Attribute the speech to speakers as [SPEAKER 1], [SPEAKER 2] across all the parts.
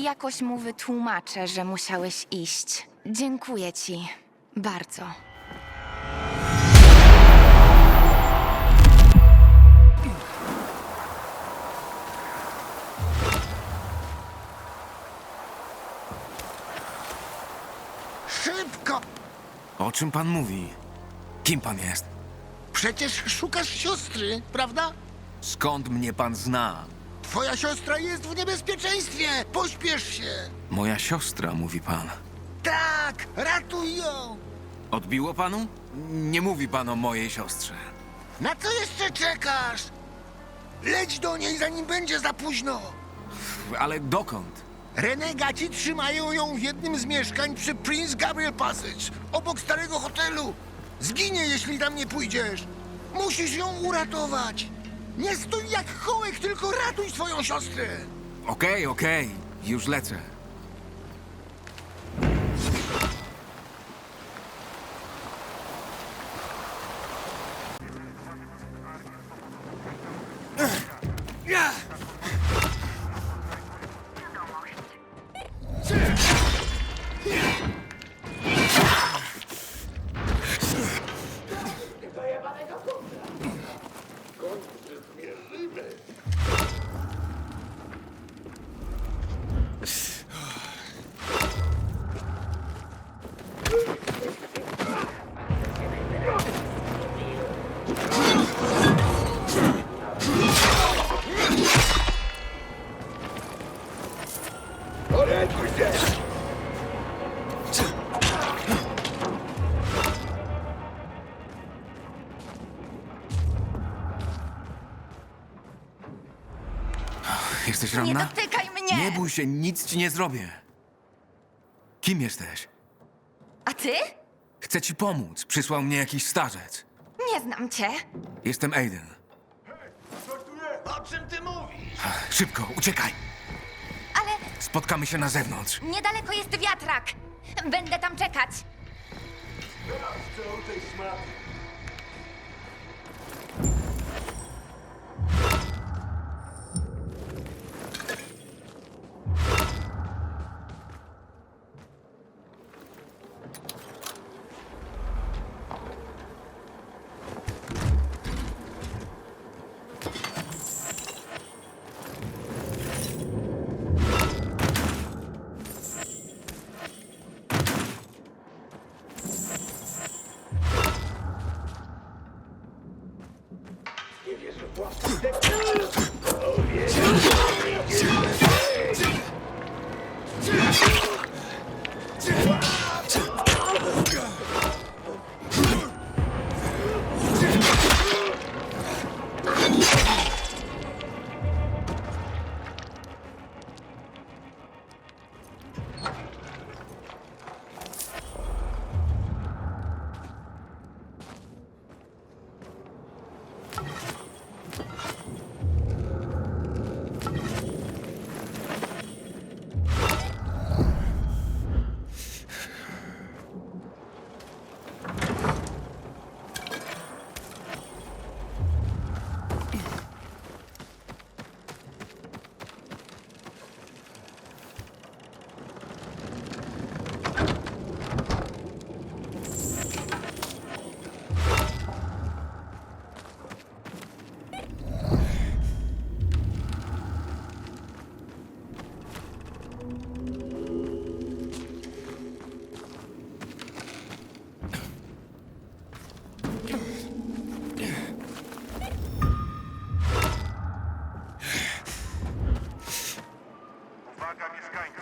[SPEAKER 1] Jakoś mu wytłumaczę, że musiałeś iść. Dziękuję ci. Bardzo.
[SPEAKER 2] Szybko!
[SPEAKER 3] O czym pan mówi? Kim pan jest?
[SPEAKER 2] Przecież szukasz siostry, prawda?
[SPEAKER 3] Skąd mnie pan zna?
[SPEAKER 2] Twoja siostra jest w niebezpieczeństwie! Pośpiesz się!
[SPEAKER 3] Moja siostra, mówi pan.
[SPEAKER 2] Tak! Ratuj ją!
[SPEAKER 3] Odbiło panu? Nie mówi pan o mojej siostrze.
[SPEAKER 2] Na co jeszcze czekasz? Leć do niej, zanim będzie za późno!
[SPEAKER 3] Ale dokąd?
[SPEAKER 2] Renegaci trzymają ją w jednym z mieszkań przy Prince Gabriel Passage, obok starego hotelu. Zginie, jeśli tam nie pójdziesz. Musisz ją uratować. Nie stój jak chołek, tylko ratuj swoją siostrę.
[SPEAKER 3] Okej, już lecę. Jesteś
[SPEAKER 1] Nie
[SPEAKER 3] ranna?
[SPEAKER 1] dotykaj mnie!
[SPEAKER 3] Nie bój się, nic ci nie zrobię. Kim jesteś?
[SPEAKER 1] A ty?
[SPEAKER 3] Chcę ci pomóc. Przysłał mnie jakiś starzec.
[SPEAKER 1] Nie znam cię.
[SPEAKER 3] Jestem Aiden.
[SPEAKER 2] O czym ty mówisz?
[SPEAKER 3] Szybko, uciekaj.
[SPEAKER 1] Ale
[SPEAKER 3] Spotkamy się na zewnątrz.
[SPEAKER 1] niedaleko jest wiatrak. Będę tam czekać.
[SPEAKER 4] Uwaga mieszkańcy!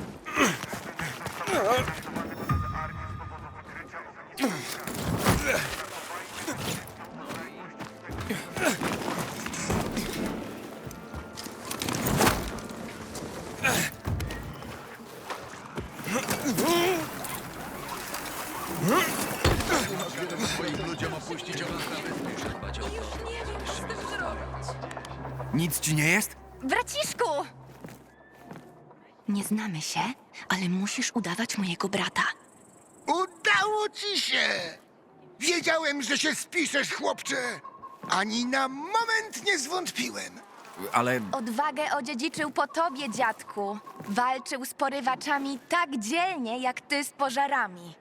[SPEAKER 3] Nic ci nie jest?
[SPEAKER 1] Braciszku! Nie znamy się, ale musisz udawać mojego brata.
[SPEAKER 2] Udało ci się! Wiedziałem, że się spiszesz, chłopcze! Ani na moment nie zwątpiłem.
[SPEAKER 3] ale
[SPEAKER 1] Odwagę odziedziczył po tobie, dziadku. Walczył z porywaczami tak dzielnie, jak ty z pożarami.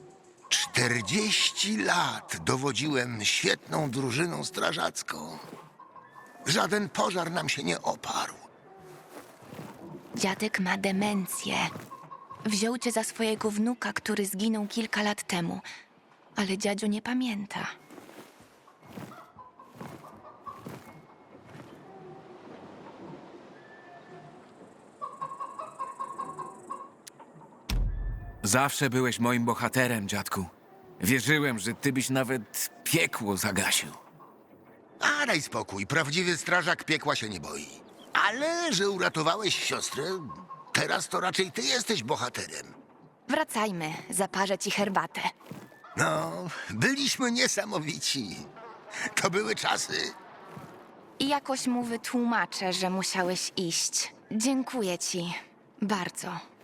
[SPEAKER 2] 40 lat dowodziłem świetną drużyną strażacką. Żaden pożar nam się nie oparł.
[SPEAKER 1] Dziadek ma demencję. Wziął cię za swojego wnuka, który zginął kilka lat temu. Ale dziadziu nie pamięta.
[SPEAKER 3] zawsze byłeś moim bohaterem, dziadku. Wierzyłem, że ty byś nawet piekło zagasił.
[SPEAKER 2] A daj spokój, prawdziwy strażak piekła się nie boi. Ale że uratowałeś siostrę, teraz to raczej ty jesteś bohaterem.
[SPEAKER 1] Wracajmy, zaparzę ci herbatę.
[SPEAKER 2] No, byliśmy niesamowici. To były czasy.
[SPEAKER 1] I jakoś mu wytłumaczę, że musiałeś iść. Dziękuję ci. Bardzo.